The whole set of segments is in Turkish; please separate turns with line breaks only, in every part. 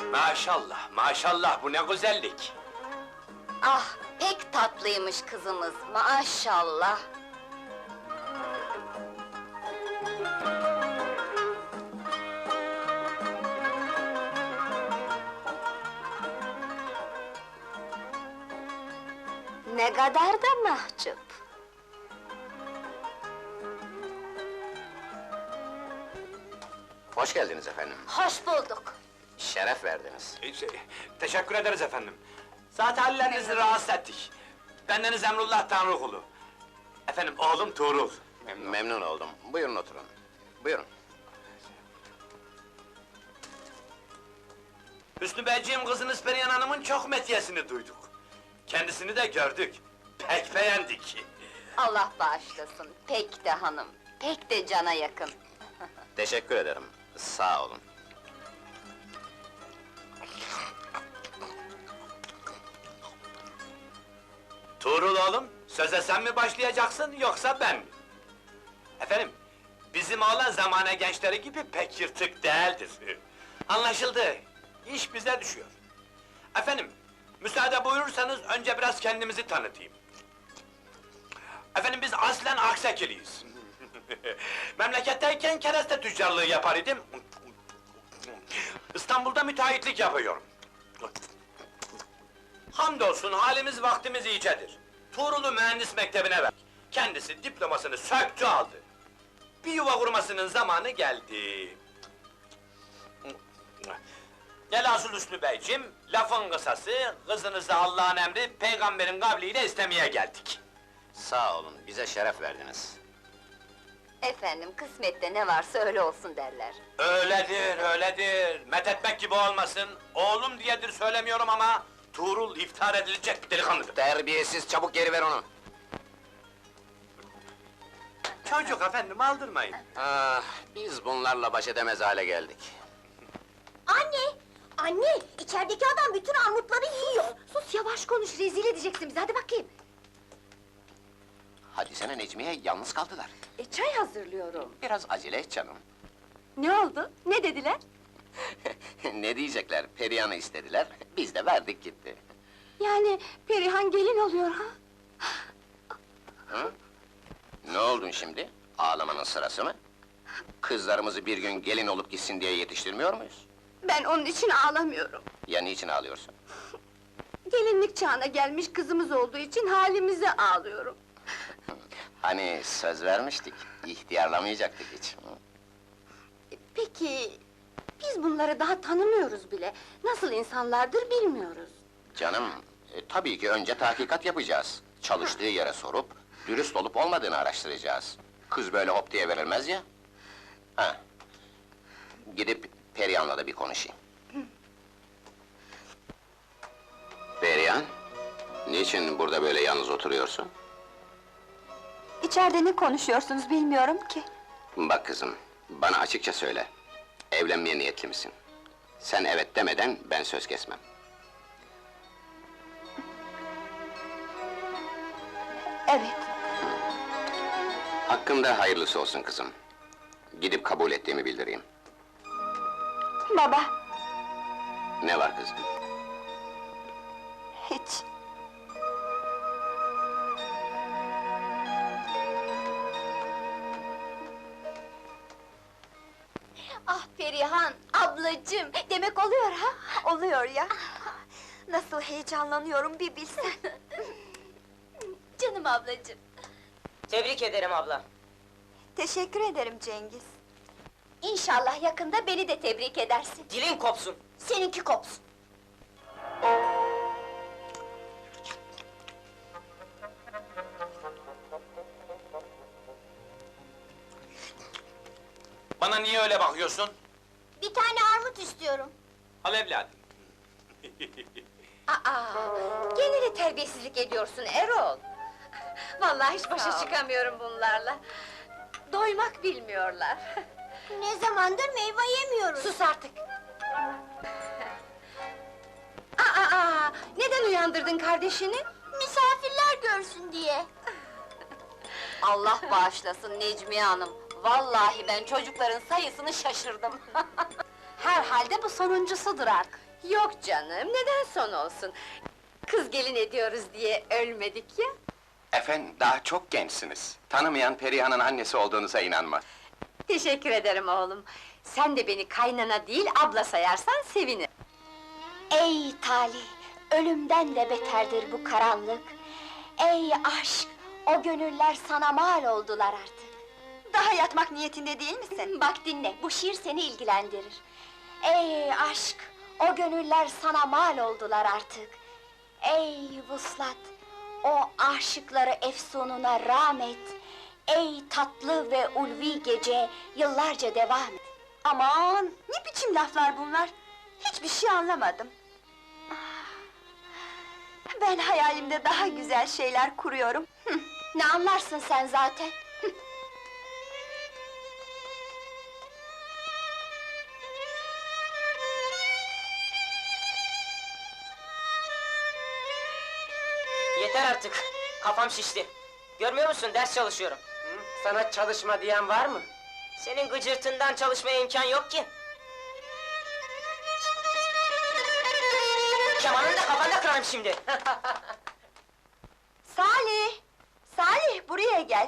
Maşallah, maşallah, bu ne güzellik!
Ah, pek tatlıymış kızımız, maşallah! Ne kadar da mahcup!
Hoş geldiniz efendim.
Hoş bulduk!
Şeref verdiniz.
Teşekkür ederiz efendim. Zaten hallerinizi rahatsız ettik. Bendeniz Emrullah Tanrıkulu. Efendim, oğlum Tuğrul.
Memnun oldum. Buyurun oturun. Buyurun.
Hüsnü Beyciğim, kızınız Perihan Hanım'ın çok metiyesini duyduk. Kendisini de gördük. Pek beğendik.
Allah bağışlasın, pek de hanım, pek de cana yakın.
Teşekkür ederim. Sağ olun.
Tuğrul oğlum, söze sen mi başlayacaksın, yoksa ben mi? Efendim, bizim oğlan zamane gençleri gibi pek yırtık değildir. Anlaşıldı, iş bize düşüyor. Efendim, müsaade buyurursanız önce biraz kendimizi tanıtayım. Efendim, biz aslen Aksekiliyiz. Memleketteyken kereste tüccarlığı yapar idim. İstanbul'da müteahhitlik yapıyorum. Hamdolsun halimiz vaktimiz iyicedir. Tuğrul'u mühendis mektebine ver. Kendisi diplomasını söktü aldı. Bir yuva kurmasının zamanı geldi. Velhasıl Hüsnü Beyciğim, lafın kısası, kızınızı Allah'ın emri, peygamberin kavliyle istemeye geldik.
Sağ olun. Bize şeref verdiniz.
Efendim, kısmette ne varsa öyle olsun derler.
Öyledir, öyledir. Methetmek gibi olmasın. Oğlum diyedir söylemiyorum ama Tuğrul iftihar edilecek bir delikanlıdır.
Terbiyesiz, çabuk geri ver onu.
Çocuk efendim, aldırmayın.
Ah, biz bunlarla baş edemez hale geldik.
Anne! Anne! İçerideki adam bütün armutları yiyor!
Sus, yavaş konuş, rezil edeceksin bizi, hadi bakayım!
Hadi sene Necmiye, yalnız kaldılar.
Çay hazırlıyorum.
Biraz acele et canım.
Ne oldu, ne dediler?
Ne diyecekler, Perihan'ı istediler, biz de verdik gitti.
Yani, Perihan gelin oluyor ha?
Hı? Ne oldun şimdi? Ağlamanın sırası mı? Kızlarımızı bir gün gelin olup gitsin diye yetiştirmiyor muyuz?
Ben onun için ağlamıyorum.
Ya niçin ağlıyorsun?
Gelinlik çağına gelmiş kızımız olduğu için halimize ağlıyorum.
Hani söz vermiştik, ihtiyarlamayacaktık hiç.
Peki, biz bunları daha tanımıyoruz bile. Nasıl insanlardır bilmiyoruz.
Canım, tabii ki önce tahkikat yapacağız. Çalıştığı yere sorup, dürüst olup olmadığını araştıracağız. Kız böyle hop diye verilmez ya. Ha. Gidip Perihan'la da bir konuşayım. Perihan, niçin burada böyle yalnız oturuyorsun?
İçeride ne konuşuyorsunuz bilmiyorum ki.
Bak kızım, bana açıkça söyle. Evlenmeye niyetli misin? Sen evet demeden ben söz kesmem.
Evet.
Hakkımda hayırlısı olsun kızım. Gidip kabul ettiğimi bildireyim.
Baba,
Ne var kızım?
hiç.
Ah Perihan, ablacığım! Demek oluyor ha?
Oluyor ya.
Nasıl heyecanlanıyorum bir bilsen! Canım ablacığım!
Tebrik ederim abla.
Teşekkür ederim Cengiz. İnşallah yakında beni de tebrik edersin.
Dilin kopsun.
Seninki kopsun.
Bana niye öyle bakıyorsun?
Bir tane armut istiyorum.
Al evladım.
Aa, gene de terbiyesizlik ediyorsun Erol. Vallahi hiç başa çıkamıyorum bunlarla. Doymak bilmiyorlar.
Ne zamandır meyve yemiyoruz.
Sus artık! Aa, neden uyandırdın kardeşini?
Misafirler görsün diye.
Allah bağışlasın Necmiye Hanım. Vallahi ben çocukların sayısını şaşırdım. Herhalde bu sonuncusudur artık. Yok canım, neden son olsun? Kız gelin ediyoruz diye ölmedik ya.
Efendim, daha çok gençsiniz. Tanımayan Perihan'ın annesi olduğunuza inanmaz.
Teşekkür ederim oğlum. Sen de beni kaynana değil, abla sayarsan sevinirim.
Ey talih! Ölümden de beterdir bu karanlık. Ey aşk! O gönüller sana mal oldular artık.
Daha yatmak niyetinde değil misin?
Bak dinle, bu şiir seni ilgilendirir. Ey aşk! O gönüller sana mal oldular artık. Ey vuslat! O aşıkları efsununa rağmet. Ey tatlı ve ulvi gece, yıllarca devam et.
Aman, ne biçim laflar bunlar? Hiçbir şey anlamadım. Ah, ben hayalimde daha güzel şeyler kuruyorum.
Ne anlarsın sen zaten?
Yeter artık. Kafam şişti. Görmüyor musun? Ders çalışıyorum.
Sana çalışma diyen var mı?
Senin gıcırtından çalışmaya imkan yok ki. Kemanını da kafanda kırarım şimdi.
Salih! Salih, buraya gel!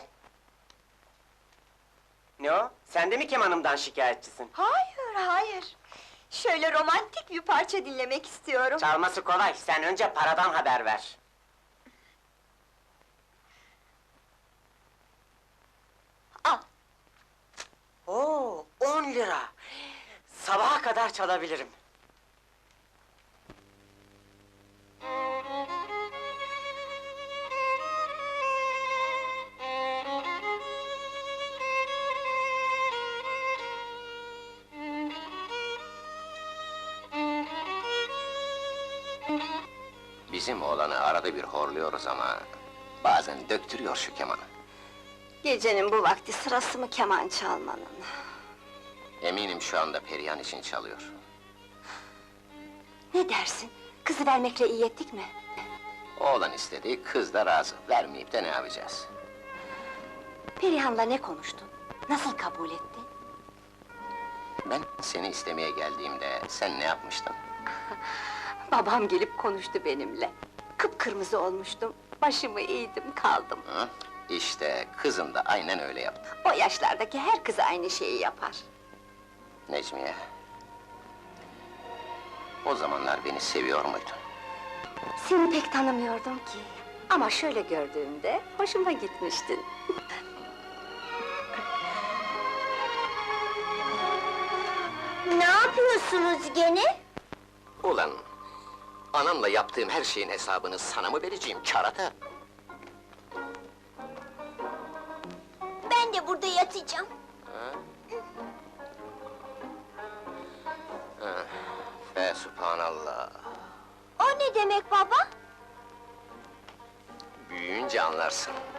Ne o? Sen de mi kemanımdan şikayetçisin?
Hayır, hayır! Şöyle romantik bir parça dinlemek istiyorum.
Çalması kolay, sen önce paradan haber ver.
Al!
Oo, 10 lira! Sabaha kadar çalabilirim.
Bizim oğlanı arada bir horluyoruz ama... ...bazen döktürüyor şu kemanı.
Gecenin bu vakti sırası mı keman çalmanın?
Eminim şu anda Perihan için çalıyor.
Ne dersin? Kızı vermekle iyi ettik mi?
Oğlan istedi, kız da razı. Vermeyip de ne yapacağız?
Perihan'la ne konuştun? Nasıl kabul etti?
Ben seni istemeye geldiğimde sen ne yapmıştın?
Babam gelip konuştu benimle. Kıpkırmızı olmuştum, başımı eğdim kaldım.
Hı? İşte kızın da aynen öyle yaptı.
O yaşlardaki her kız aynı şeyi yapar.
Necmiye... ...o zamanlar beni seviyor muydun?
Seni pek tanımıyordum ki. Ama şöyle gördüğümde hoşuma gitmiştin.
Ne yapıyorsunuz gene?
Ulan... ...anamla yaptığım her şeyin hesabını sana mı vereceğim kerata?
Ben de burada yatacağım.
Fe subhanallah!
O ne demek baba?
Büyüyünce anlarsın.